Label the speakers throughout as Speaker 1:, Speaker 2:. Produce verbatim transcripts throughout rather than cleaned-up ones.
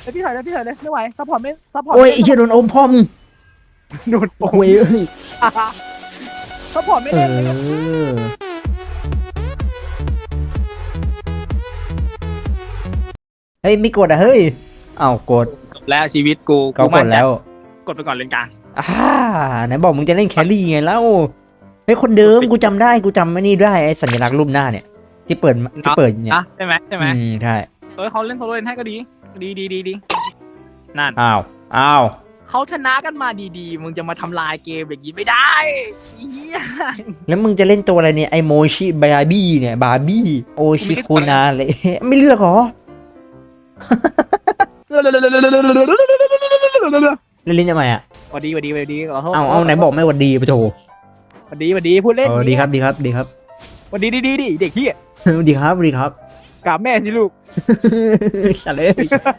Speaker 1: ยวพี่ถอยเลยพี่ถอยเลยไม่ไหวซัพพอร์ตไม่ซัพพอร์ต
Speaker 2: โอ้ย
Speaker 1: ไม่
Speaker 2: ไอ้เหี้ยโดนอมพ่อมง
Speaker 1: โดน
Speaker 2: โอ้ยเอ้ย
Speaker 1: ซัพพอร์ตไม่
Speaker 2: เอ
Speaker 1: เล่นเลย
Speaker 2: อเฮ้ยไม่กดอ่ะเฮ้ยเอ้ากด
Speaker 1: แล้วชีวิตกู
Speaker 2: เขากดแล้ว
Speaker 1: กดไปก่อนเลนกลาง
Speaker 2: อ่าไหนบอกมึงจะเล่นแครี่ไงแล้วเฮ้ยคนเดิมกูจำได้กูจำไอ้นี่ได้ไอ้สัญลักษณ์รูปหน้าเนี่ยที่เปิดที่เปิดเนี่ย
Speaker 1: นะใช่ไหมใช่ไหม
Speaker 2: อืมใช่
Speaker 1: เออเขาเล่นโซโล่เลนให้ก็ดีดีดีดีดีนั่น
Speaker 2: อ้าวอ้าว
Speaker 1: เขาชนะกันมาดีๆมึงจะมาทำลายเกมอย่างนี้ไม่ได้เฮีย
Speaker 2: แล้วมึงจะเล่นตัวอะไรเนี่ยไอโมชิบาร์บี้เนี่ยบาร์บี้โอชิคุนาเลย ไม่เลือกเหรอเล่นลิ้นทำไมอ่ะ
Speaker 1: สวัสดีสวัสดีสวัสดีขอโทษ
Speaker 2: เอาเอาไหนบอกไม่หวัดดีปะโถ
Speaker 1: สวัสดีสวัสดีพูดเล่น
Speaker 2: เออดีครับดีครับดีครับ
Speaker 1: สวัสดีดีดีดีเด็กเฮีย
Speaker 2: ดีครับดีครับ
Speaker 1: กราบแม่สิลูก
Speaker 2: สัตว์เลย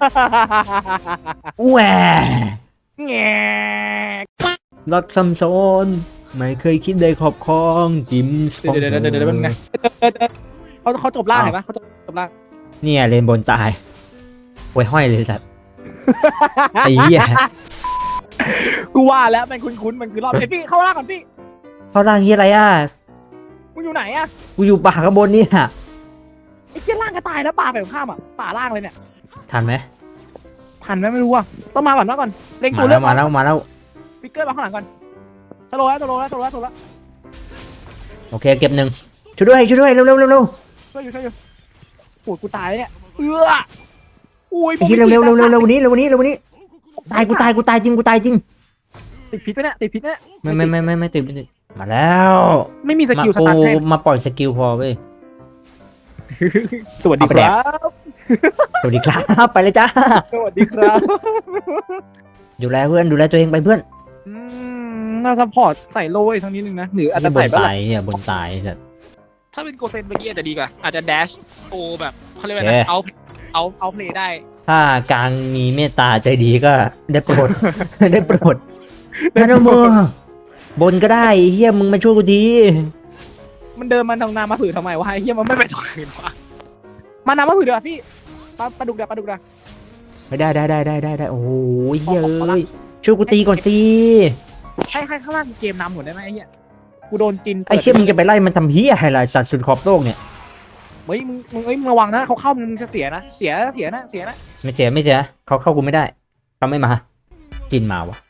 Speaker 2: แหว
Speaker 1: แง
Speaker 2: รักซัมซอนไม่เคยคิดได้ขอบครองจิมส์
Speaker 1: เดี๋ยวเดี๋ยวเดี๋ยวเดี๋ยวเป็นไงเขาเขาจบล่างเห็นปะเขาจบจบล่าง
Speaker 2: เนี่ยเลนบนตายโวยห้อยเลยสัตว์ไอ้เหี้ย
Speaker 1: กูว่าแล้วมันคุ้นๆมันคือรอบไอพี่เข้าล่างก่อนพี่
Speaker 2: เขาล่างเหี้ยอะไรอ่ะ
Speaker 1: มึงอยู่ไหนอะ
Speaker 2: กูอยู่ป่าข้างบนนี่ฮะ
Speaker 1: ไอ้เจ้าล่างก็ตายแล้วป่าไปข้ามอ่ะป่าล่างเลยเนี่ย
Speaker 2: ทันไหม
Speaker 1: ทันไหมไม่รู้อ่ะต้องมาก่อนมาก่อนเล็ง
Speaker 2: มา
Speaker 1: ตัวเลื
Speaker 2: แล้
Speaker 1: อ
Speaker 2: ว
Speaker 1: ก
Speaker 2: มาแล้วมาแล้ว
Speaker 1: ฟิกเกอร์มาข้างหลังก่อนสโลว์แล้วสโลว์แล้วสโลว์แล้วสโลว์แล้ว
Speaker 2: โอเคเก็บหนึ่งช่วยด้วยช่วยด้วยเร็วเร็วเร็วเร็ว
Speaker 1: ช่วยอยู่ช่วยอยู่ปวดกูตายแล้วเนี่ยเอื้ออุ้ย
Speaker 2: ไอ้เหี้ยเร็วเร็วเร็วเร็วเร็ววันนี้เร็ววันนี้เร็ววันนี้ตายกูตายกูตายจริงกูตายจริง
Speaker 1: ติดพิษไปเนี่ยติดพิษเนี่ย
Speaker 2: ไม่ไม่ไม่ไม่ไม่ติดไม่ติดมาแล้ว
Speaker 1: ไม่มีส
Speaker 2: มา
Speaker 1: กิลส
Speaker 2: กู
Speaker 1: ตาร์ทให้
Speaker 2: มาปล่อยสกิลพอเว้ย
Speaker 1: สวัสดี
Speaker 2: เอาไป
Speaker 1: ค
Speaker 2: แดก
Speaker 1: รับ
Speaker 2: สวัสดีครับ ไปเลยจ้า
Speaker 1: สวัสดีครับ
Speaker 2: ดูแลเพื่อนดูแลตัวเองไปเพื่อน
Speaker 1: อืมน่าซัพพอร์ตใส่โล่อีกทั้งนิดนึงนะหรืออาจจะ
Speaker 2: บ
Speaker 1: ใส่
Speaker 2: น
Speaker 1: บ้าง
Speaker 2: ตายเนี่ยบนตายสัตว์
Speaker 1: ถ้าเป็นโกเซนเมื่อกี้อาจจะดีกว่าอาจจะแดชโอแบบเขาเรียกว่า
Speaker 2: เอ๊ะ
Speaker 1: เอาเอาเอาเพลย์ได้
Speaker 2: ถ้ากลางมีเมตตาใจดีก็ได้โปรด ได้โปรดพนมบนก็ได้เฮียมึงมาช่วยกูที
Speaker 1: มันเดินมันทางนามาผือทำไมวะไอ้เฮียมันไม่ไปตรงอื่นวะมานามาผือเดี๋ยวพี่ปลาปลาดุกเดี๋ยวปลาดุกเดี๋ยว
Speaker 2: ไม่ได้ได้ได้ได้ได้ได้โอ้โหเฮียเอ้ยช่วยกูตีก่อนสิ
Speaker 1: ให้ให้ข้างล่างเกมนำหมดได้ไหมไอ้เฮียกูโดนจิน
Speaker 2: ไอ้เชี่ยมึงจะไปไล่มันทำเฮียอะไรสัตว์สุดขอบโลกเนี่ย
Speaker 1: เฮ้ยมึงมึงเอ้ยมึงระวังนะเขาเข้ามึงจะเสียนะเสียเสียนะเสียนะ
Speaker 2: ไม่เสียไม่เสียเขาเข้ากูไม่ได้เขาไม่มาจินมาวะ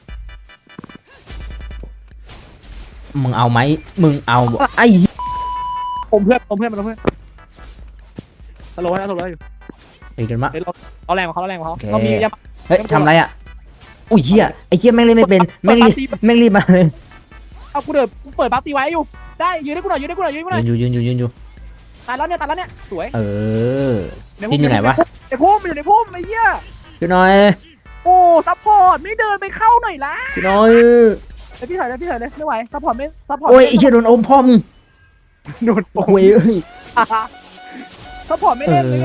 Speaker 2: มึงเอาไหมมึงเอาบ่ไอ้
Speaker 1: อมเพื่อนอมเพื่อนมันอมเพื่อนสโลว์นะสโลว์อยู่
Speaker 2: ตีกันมา
Speaker 1: เฮ้ยเราเราแรงกว่าเขาเราแรงกว่าเขา
Speaker 2: โอเค
Speaker 1: เรามียา
Speaker 2: เฮ้ยทำอะไรอ่ะอุ้ยเฮียไอ้เฮียแม่งเล่นไม่เป็นแม่งรีบแม่งรีบมาเลย
Speaker 1: เอากูเดินกูเปิดบัฟตีไว้อยู่ได้ยืนให้กูหน่อยยืนให้กูหน่อยยืนให้กูหน่อย
Speaker 2: ยืนอยู่ยืนอยู่ยืนอยู่
Speaker 1: ตายแล้วเนี่ยตายแล้วเนี่ยสวย
Speaker 2: เออ
Speaker 1: ใน
Speaker 2: จินอยู่ไหนวะ
Speaker 1: ในพุ่มอยู่ในพุ่มไอ้เหี้ย
Speaker 2: ช่วยหน่อย
Speaker 1: โอ้ซัพพอร์ตไม่เดินไปเข้าหน่อยละ
Speaker 2: ช่วยหน่อย
Speaker 1: ไอ้พี่ถอยเลยพี่ถอยเลยไม่ไหวซัพพอร์ตไม่ซัพพอร์ต
Speaker 2: โอ้ยไอ้เฮียโดนอมพ่อมง
Speaker 1: โดน
Speaker 2: โอ้ยเอ้ย
Speaker 1: ซัพพอร์ตไม่
Speaker 2: เอ
Speaker 1: เล่นเลย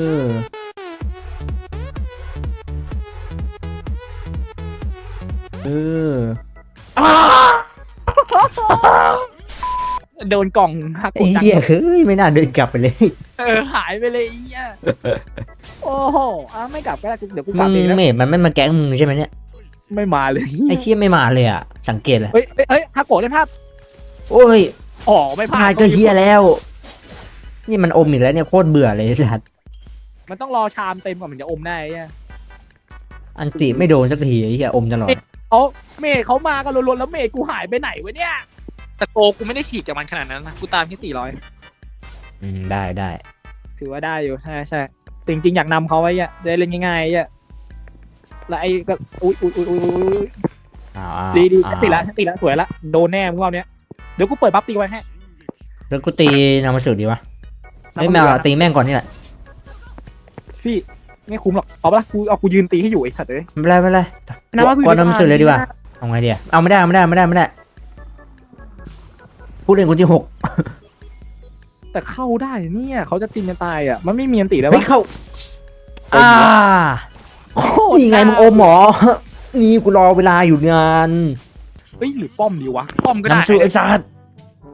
Speaker 2: อเออ
Speaker 1: โดนกล่องหักก
Speaker 2: ไอ้
Speaker 1: ดดัง
Speaker 2: เหี้ยเฮ้ยไม่น่าเดินกลับไปเลย
Speaker 1: เออหายไปเลยไอ้เหี้ยโอ้โหอ่ะไม่กลับก็ได้กูเดี๋ยวกูก
Speaker 2: มึ
Speaker 1: ลับ
Speaker 2: ง
Speaker 1: เองนะ
Speaker 2: เมดมันไม่มาแก๊งมึงใช่ไหมเนี่ย
Speaker 1: ไม่มาเลย
Speaker 2: ไอ้เชี่ยไม่มาเลยอ่ะสังเกตเลย
Speaker 1: เฮ้ยเฮ้ยเฮ้ยฮาโกะได้ภาพ
Speaker 2: โอ้ย
Speaker 1: อ๋อไม่
Speaker 2: พ
Speaker 1: พลา
Speaker 2: ลา
Speaker 1: ด
Speaker 2: ดก็เฮียแล้ว นี่มันอมอีกแล้วเนี่ยโคตรเบื่อเลยสัตว์
Speaker 1: มันต้องรอชามเต็มก่อนมันจะอมได้ไอ้เหี้ย
Speaker 2: อันติไม่โดนสักทีไอ้เหี้ยอมตลอด
Speaker 1: เขาเมย์เขามากันล้วนๆแล้วเมย์กูหายไปไหนวะเนี่ยแต่โกกูไม่ได้ฉีกจากมันขนาดนั้นนะกูตามแค่สี่ร้อย
Speaker 2: อืมได้ได้
Speaker 1: ถือว่าได้อยู่ใช่ใช่จริงๆอยากนำเขาไว้อะจะได้เล่นง่ายๆอะแล้วไอ้ก็อุ้ยอุ้ยอุ้ยอุ้ยอุ้ย
Speaker 2: อ้าว
Speaker 1: ดีดี
Speaker 2: อ้าว
Speaker 1: ติดละติดละสวยละโดนแน่มึงรอบเนี้ยเดี๋ยวกูเปิดบัฟตีไว้ให้
Speaker 2: แล้วกูตีนามาสุดดีวะไม่แม่เอาตีแม่งก่อนนี่แหละ
Speaker 1: พี่ไม่คุ้มหรอกเอาปะล่ะกูเอากูยืนตีให้อยู่ไอ้สัตว์เลย
Speaker 2: ไม่เป็นไรไม่เป็นไรก่อนนามาสุดเลยดีกว่าเอาไงดีอะเอาไม่ได้เอาไม่ได้ไม่ได้ไม่ได้ผู้เล่นคนที่หก
Speaker 1: แต่เข้าได้เนี่ยเขาจะตีกันตายอ่ะมันไม่มีอันตีแล้ว
Speaker 2: เฮ้ยว
Speaker 1: ะ
Speaker 2: เข้าอ่า
Speaker 1: โอ้โห
Speaker 2: นี่ไงมึงอมหมอ นี่กูรอเวลาอยู่งาน
Speaker 1: เฮ้ยหรือป้อมดีวะป้อมก็ได้
Speaker 2: น้ำสูไอ้สัตว์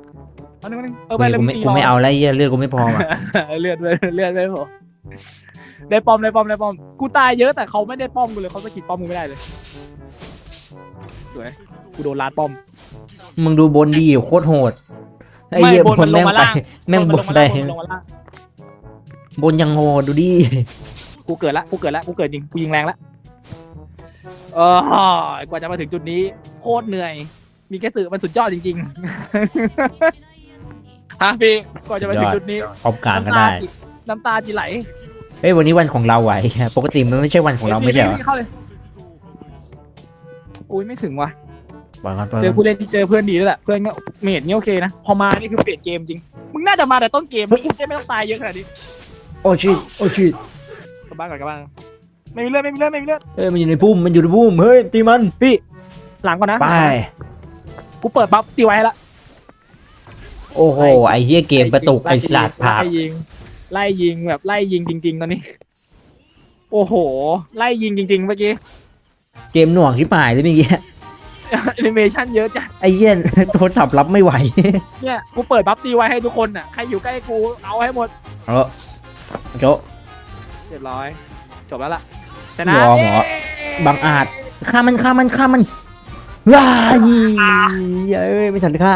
Speaker 1: อันนึงอันนึงเออไปเลย
Speaker 2: กูไม่
Speaker 1: ตี
Speaker 2: กูไม่เอาแล้วเหี้ยเลือดกูไม่พอว่ะ
Speaker 1: เลือดเลือดเลือดไม่พอได้ป้อมได้ป้อมได้ป้อมกูตายเยอะแต่เขาไม่ได้ป้อมกูเลยเขาสกิดป้อมกูไม่ได้เลยสวยกูโดนลาดป้อม
Speaker 2: มึงดูบนดีโคตรโหดไอ้เหี้ย
Speaker 1: ไม่
Speaker 2: บบ
Speaker 1: น
Speaker 2: น
Speaker 1: มันล
Speaker 2: แม่
Speaker 1: ง
Speaker 2: ง
Speaker 1: มา
Speaker 2: ไป
Speaker 1: ล่าง
Speaker 2: แม่ง
Speaker 1: น
Speaker 2: บ
Speaker 1: ล
Speaker 2: น
Speaker 1: งมา
Speaker 2: ได้
Speaker 1: ล่างบนมันลงมาล่าง
Speaker 2: บนยังโหดดูดิ
Speaker 1: กูเกิดละกูเกิดละกูเกิดจริงกูยิงแรงละเออกว่าจะมาถึงจุดนี้โคตรเหนื่อย มีแค่สื่อมันสุดยอดจริงๆฮะพี่กว่าจะมาถึงจุดนี้
Speaker 2: พร้อมกลางก็ได้
Speaker 1: น้ำตาจีไหล
Speaker 2: เฮ้ยวันนี้วันของเราไหวปกติมันไม่ใช่วันของเราไม่ใช่เหรอ
Speaker 1: พี่เข้าเลยอุ้ยไม่ถึงว่ะ
Speaker 2: ปล่อยกันปล่อย
Speaker 1: เจอ
Speaker 2: กัน
Speaker 1: ผู้เล่นที่เจอเพื่อนดีแล้วแหละเพื่อนก็เมดนี่โอเคนะพอมานี่คือเปลี่ยนเกมจริงมึงน่าจะมาแต่ต้นเกมมึงจะไม่ต้องตายเยอะขนาดนี้
Speaker 2: โอ้ชิตโอ้ชิต
Speaker 1: กลับบ้านก่อนกลับบ้านไม่มีเลือดไม่มีเลือดไม่มีเลือด
Speaker 2: เฮ้ยมันอยู่ในพุ่มมันอยู่ในพุ่มเฮ้ยตีมัน
Speaker 1: พี่หลังก่อนนะ
Speaker 2: ไป
Speaker 1: กูเปิดบัฟตีไว้ให้ละ
Speaker 2: โอ้โหไอ้เหี้ยเกมกระตุกไอ้สัตว์ผัก
Speaker 1: ไล่ยิงไล่ยิงแบบไล่ยิงจริง ๆ ตอนนี้ โอ้โห ไล่ยิงจริง ๆ เมื่อกี้
Speaker 2: เกมหน่วงที่หมายเลยเมื่อกี้
Speaker 1: แอนิเมชันเยอะจ้ะ
Speaker 2: ไอ้เหี้ยโทรศัพท์รับไม่ไหว
Speaker 1: เนี่ยกูเปิดบัฟตีไว้ให้ทุกคนอ่ะใครอยู่ใกล้กูเอาให้หมด
Speaker 2: เออโจะ
Speaker 1: เรียบร้อยจบแล้วล่ะชนะ
Speaker 2: ยอมเหรอ บังอาจฆ่ามันฆ่ามันฆ่ามันว้ายเอ้ยไม่ทันฆ่า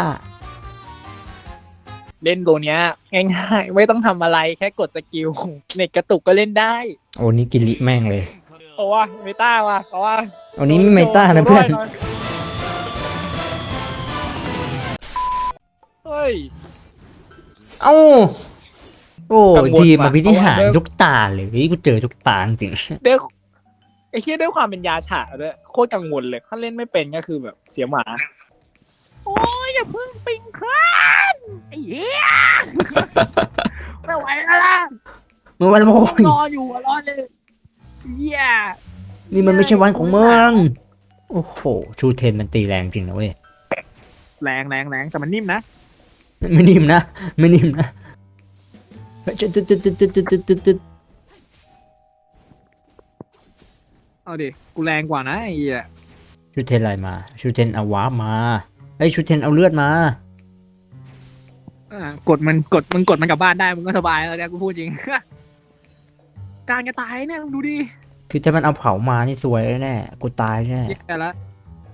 Speaker 1: เล่นตัวเนี้ยง่ายๆไม่ต้องทำอะไรแค่กดสกิลเน็ตกระตุกก็เล่นได้
Speaker 2: โอ้นี่กินลิแม่งเลย
Speaker 1: โอ้ว่าเมตาว่ะเพราะว่า
Speaker 2: วันนี้ไม่เมตานะเพื่อน
Speaker 1: เฮ้ย
Speaker 2: เอ้าโอ้
Speaker 1: กังวล
Speaker 2: ทีม
Speaker 1: ว่ะ
Speaker 2: มาพิธีหาร
Speaker 1: เพราะว่า
Speaker 2: ทุกตาเลยเฮ้ยกูเจอทุกตาจริง
Speaker 1: ด้วยไอ้เชี่ยด้วยความเป็นยาฉะด้วยโคตรกังวลเลยถ้าเล่นไม่เป็นก็คือแบบเสียหมา โอ้ยอย่าเพิ่งปิงคลานไอ้เหี้ย ไม่ไหวแล้วล่ะ
Speaker 2: ๆเมื่อวันโว้ย
Speaker 1: รออยู่อะรอเลยเหี้ย
Speaker 2: นี่มันไม่ใช่วันของมึงโอ้โหชูเทนมันตีแรงจริงนะเว้ย
Speaker 1: แรงแรงแรงแต่มันนิ่มนะ
Speaker 2: ไม่นิ่มนะไม่นิ่มนะเฮ้ยจุดจุดจุดจุดจุดจุดจุดจุด
Speaker 1: เอาดิกูแรงกว่านะไอ้เหี้ย
Speaker 2: ชูเทนอะไรมาชูเทนเอาวาร์ปมาไอ้ยชูเทนเอาเลือดมา
Speaker 1: อ่ากดมันกดมึงกดมันกลับบ้านได้มึงก็สบายแล้วเนี่ยกูพูดจริง กลางจะตายเนี่ยมึงดูดิ
Speaker 2: คือถ้ามันเอาเผามานี่สวยแน่กูตายแน่
Speaker 1: แย่แล้ว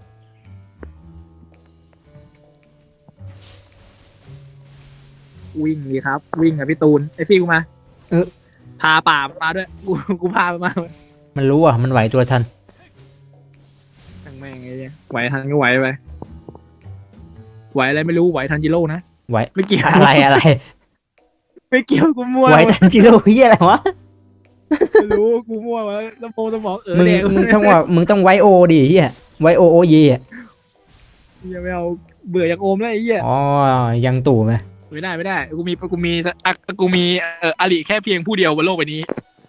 Speaker 1: วิ่งดีครับ วิ่งกับพี่ตูนไอพี่กูมา
Speaker 2: เออ
Speaker 1: พาป่ามาด้วยกูกูพามันมา
Speaker 2: มันรู้อ่ะมันไหวตัวทัน
Speaker 1: ทั้งแม่งไอ้เหี้ยไหวทันก็ไหวไปไหวอะไรไม่รู้ไหวทันจิโร่นะ
Speaker 2: ไหว
Speaker 1: ไม่เกี่ยว
Speaker 2: อะไรอะไร
Speaker 1: ไม่เกี่ยวกูมั่ว
Speaker 2: ไหวทันจิโร่เฮียอะไรวะ
Speaker 1: ไม่รู้กูมั่วมาสมองสมองเออ
Speaker 2: มึง
Speaker 1: แดง
Speaker 2: มึงต้องว่ามึงต้องไวโอดิเฮียไวโอโอเยอ่ะ
Speaker 1: อย่าไม่เอาเบื่ออย่างโอมแล้วไอ้เหี้ย
Speaker 2: อ๋อยังตู่ไหม
Speaker 1: ไม่ได้ไม่ได้กูมีกูมีอ่ะกูมีเอ่ออลิแค่เพียงผู้เดียวบนโลกใบนี้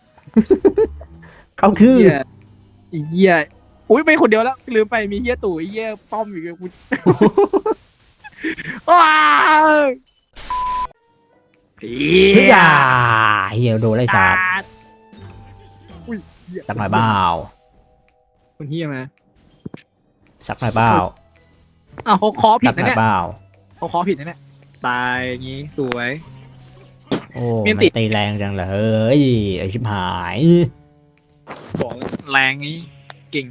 Speaker 2: เขาคือ
Speaker 1: เหี้ยไอ้เหี้ยอุ้ยไปคนเดียวแล้วลืมไปมีเหี้ยตู่ไอ้เหี้ยป้อมอยู่กับกู ว้าวผี
Speaker 2: เฮียเฮียโดนไล่สาด
Speaker 1: ดอุ้ยเหี้ย
Speaker 2: สักหน่อยเปล่า
Speaker 1: คนเหี้ยมา
Speaker 2: สักหน่อยเปล่า
Speaker 1: อ้าวเขาเคอผิ
Speaker 2: สั
Speaker 1: ด
Speaker 2: กห
Speaker 1: นะ
Speaker 2: น่อย
Speaker 1: เนี่ย
Speaker 2: เปล่า
Speaker 1: เขาเคอผิดนะเนี่ยตายอย่างงี้สวย
Speaker 2: โอ้
Speaker 1: มี
Speaker 2: มัน
Speaker 1: ติด
Speaker 2: ตีแรงจังเลยเฮ้ยไอชิบหาย
Speaker 1: บอกเลยแรงนี้เก่ง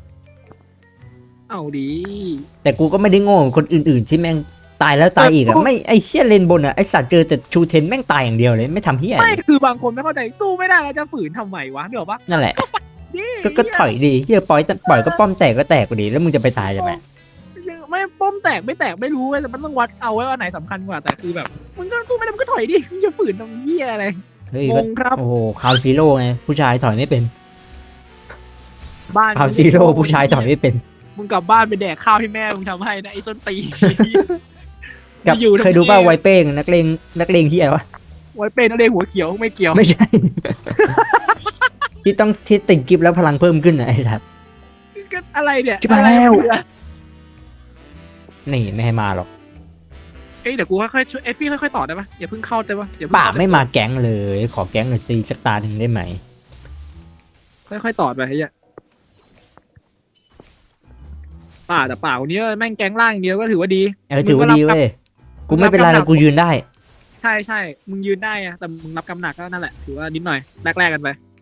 Speaker 1: เอาดี
Speaker 2: แต่กูก็ไม่ได้โง่เหมือนคนอื่นๆที่แม่งตายแล้วตายอีกอะไม่ไอเชี่ยเลนบนอะไอสัตว์เจอแต่ชูเทนแม่งตายอย่างเดียวเลยไม่ทำเฮีย
Speaker 1: ไม่คือบางคนไม่เข้าใจสู้ไม่ได้แล้วจะฝืนทำไมวะเดี๋ยวปะ
Speaker 2: นั่นแหละ
Speaker 1: นี่
Speaker 2: ก็ก็ถอยดีเฮียปล่อยปล่อยก็ป้อมแตกก็แตกกว่าดีแล้วมึงจะไปตายทำไม
Speaker 1: ไม่ป้อมแตกไม่แตกไม่รู้เว้ยแต่มันต้องวัดเอาไว้ว่าไหนสำคัญกว่าแต่คือแบบมึงก็สู้ไม่ได้มึงก็ถอยดิมึงจะฝืนทำเหี้ยอะไร
Speaker 2: เฮ้ย
Speaker 1: ง
Speaker 2: ก็
Speaker 1: งครับ
Speaker 2: โอ้โหคาวซีโร่ไงผู้ชายถอยไม่เป็น
Speaker 1: บ้าน
Speaker 2: คาวซีโร่ผู้ชายถอยไม่เป็น
Speaker 1: มึงกลับบ้านไปแดกข้าวที่แม่มึงทำให้นะไอ้ส้นตีน
Speaker 2: กับ
Speaker 1: อยู่ทำ
Speaker 2: เคยดูป่า
Speaker 1: ไม
Speaker 2: ไวเป้งนักเลงนักเลงที่อะไรวะ
Speaker 1: ไว้เป็นนักเรียนหัวเขียวไม่เกี่ยว
Speaker 2: ไม่ใช่ ที่ต้องที่ติดกิฟต์แล้วพลังเพิ่มขึ้นอะไอ้สัตว์
Speaker 1: ก็อะไรเนี่ย
Speaker 2: ชิบหายแล้ว
Speaker 1: อะไรเนี่ย
Speaker 2: นี่ไม่ให้มาหรอก
Speaker 1: เอ้ยเดี๋ยวกูค่อยๆช่วยเอ้ยพี่ค่อยๆต่อได้ปะอย่าเพิ่งเข้าได้ปะอย่าเพิ่ง
Speaker 2: ป่า
Speaker 1: เข้
Speaker 2: ไม่มาแก๊งเลย ขอแก๊งหน่อยซีสักตาหนึ่งได้ไหม
Speaker 1: ค่อยๆต่อไปไอ้เหี้ยป่าแต่ป่าคนนี้แม่งแก๊งล่างอย่างเดียวก็ถือว่าดี
Speaker 2: เออถือว่าดีเว้ยกูไม่เป็นไรแล้วกูยืนได้
Speaker 1: ใช่ใช่มึงยืนได้อะแต่มึงรับกำหนักก็นั่นแหละถือว่านิดหน่อยแลกๆกันไป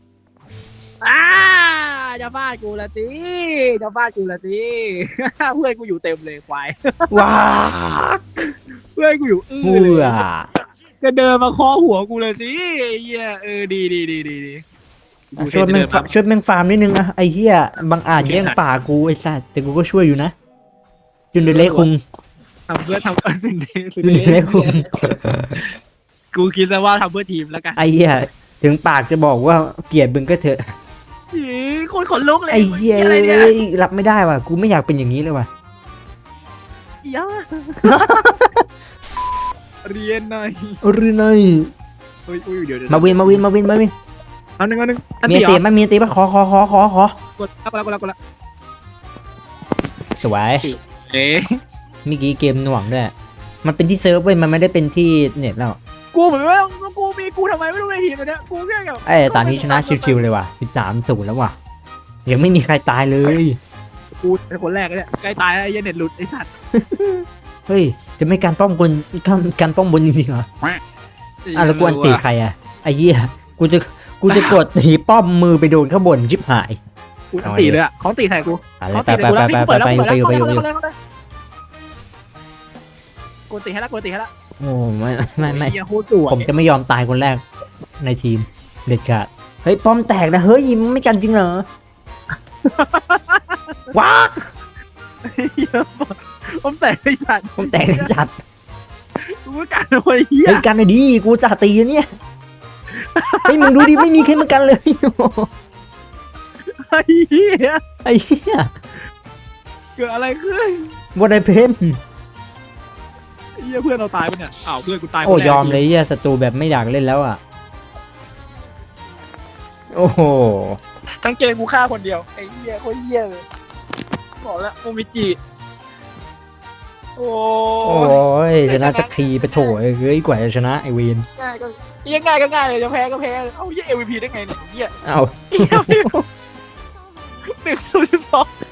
Speaker 1: อ้าจะฟาดกูละสิจะฟาดกูละสิ เพื่อนกูอยู่เต็มเลยควาย
Speaker 2: ว้า
Speaker 1: เพื่อนกูอยู่อื้อ
Speaker 2: เบื่
Speaker 1: เลย
Speaker 2: อ
Speaker 1: จะเดินมาเคอหัวกูเลยสิไอ้เหี้ยเออดีดีดีดีดี
Speaker 2: อ่ะช่วยแม่งฟาช่วยแม่งฟาร์มนิดนึงอะไอ้เหี้ยบางอาจแย่งป่ากูไอ้สัตว์แต่กูก็ช่วยอยู่นะจุนเดเล่คุง
Speaker 1: ทำเพื่อทำเออสิ่งดีสิ่ง
Speaker 2: จุน
Speaker 1: ดี
Speaker 2: เดเล่คุง
Speaker 1: กูคิดซะว่าทำเพื่อทีมแล้วกัน
Speaker 2: ไอ้เหี้ยถึงปากจะบอกว่าเกลียดมึงก็เถอะ
Speaker 1: อีคนขนลุกเลย
Speaker 2: ไอ้เหี้ย
Speaker 1: อะไรเนี่ย
Speaker 2: รับไม่ได้ว่ะกูไม่อยากเป็นอย่างนี้เลยว่ะ
Speaker 1: อีย่าเรียนหน่อย
Speaker 2: หรือไง
Speaker 1: อุ้ยอุ้ยเดี๋ยวเดี๋ยว
Speaker 2: มาวินมาวินมาวินมาวิน
Speaker 1: เอาหนึ่งเอาหนึ่งอัน
Speaker 2: มี
Speaker 1: ที่
Speaker 2: ตี
Speaker 1: เหรอ
Speaker 2: มั้ยมีตีมั้ยขอขอขอขอขอก
Speaker 1: ดแล้วกดแล้วกดแล้วกดแล้ว
Speaker 2: สวย
Speaker 1: เอ๊ะ
Speaker 2: เมื่อกี้เกมหน่วงด้วยมันเป็นที่เซิร์ฟเว้ยมันไม่ได้เป็นที่เน็ตแล้ว
Speaker 1: กูเหมือนว่ากูมีกูทำไมไม่รู้ในทีมเลยเนี่ยกูแค่แบบ
Speaker 2: ไอ้ตอนนี้ชนะชิวๆเลยว่ะสิบสามศูนย์แล้วว่ะยังไม่มีใครตายเลย
Speaker 1: กูเป็นคนแรกเลยเนี่ยใกล้ตายแล้วไอ้เหี้ยเน็ตหลุดไอ้สัตว์
Speaker 2: เฮ้ยจะไม่การป้อมบนการการป้อมบนจริงๆเหรออ่ะแล้วกูอันตีใครอ่ะไอ้เหี้ยกูจะกูจะกดตีป้อมมือไปโดนข้างบนชิบหาย
Speaker 1: กูอันตีเลยอ่ะเขาตีใส่กู
Speaker 2: อะไร
Speaker 1: เขา
Speaker 2: ไป
Speaker 1: ตี
Speaker 2: ไป
Speaker 1: ใส่กู
Speaker 2: ไป
Speaker 1: แล้ว
Speaker 2: ไป
Speaker 1: พี่
Speaker 2: ไป
Speaker 1: เปิด
Speaker 2: ไป
Speaker 1: แล้ว
Speaker 2: ไป
Speaker 1: เปิด
Speaker 2: อยู่
Speaker 1: แล้ว
Speaker 2: ไปอยู่
Speaker 1: กูตีให้แล้วกูตีให้แล้ว
Speaker 2: โอ้ไม่ไม่ไม่
Speaker 1: เหี้ยโคตรสวย
Speaker 2: ผมจะไม่ยอมตายคนแรกในทีมเด็ดขาดเฮ้ยป้อมแตกนะเฮ้ยมันไม่กันจริงเหรอว้า
Speaker 1: เหี้ยผมแตกไอ้สัตว์
Speaker 2: ป้อมแตกจัด
Speaker 1: กูไม่กันเลยเหี้ย
Speaker 2: เฮ้ยกันหน่อยดิกูจะตีเนี่ยเฮ้ยมึงดูดิไม่มีใครมากันเลย
Speaker 1: ไอ้เหี้ย
Speaker 2: ไอ้เหี้ย
Speaker 1: เกิดอะไรขึ้น
Speaker 2: บนไอเพน
Speaker 1: ไอ้เหี้ยเพื่อนเราตายปะเนี่ยอ้าวเพื่อนกูตายคน
Speaker 2: โอ้
Speaker 1: แรก
Speaker 2: ยอมเลยเหี้ยศัตรูแบบไม่อยากเล่นแล้วอ่ะโอ้โห
Speaker 1: ทั้งเกมกูฆ่าคนเดียวไอ้เหี้ยโคตรเหี้ยเลยบอกแล้วโอมิจิโอ้
Speaker 2: โอ้ยชนะสักทีไปโถเอ้ยกว่าจะชนะไอเวน
Speaker 1: ง่ายก็เหี้ยง่ายก็ง่ายเลยจะแพ้ก็แพ้เอ้าเหี้ย เอ็ม วี พี ได้ไงเนี่ยเหี้ย
Speaker 2: เอ้า
Speaker 1: เหี้ยหนึ่งศูนย์สอง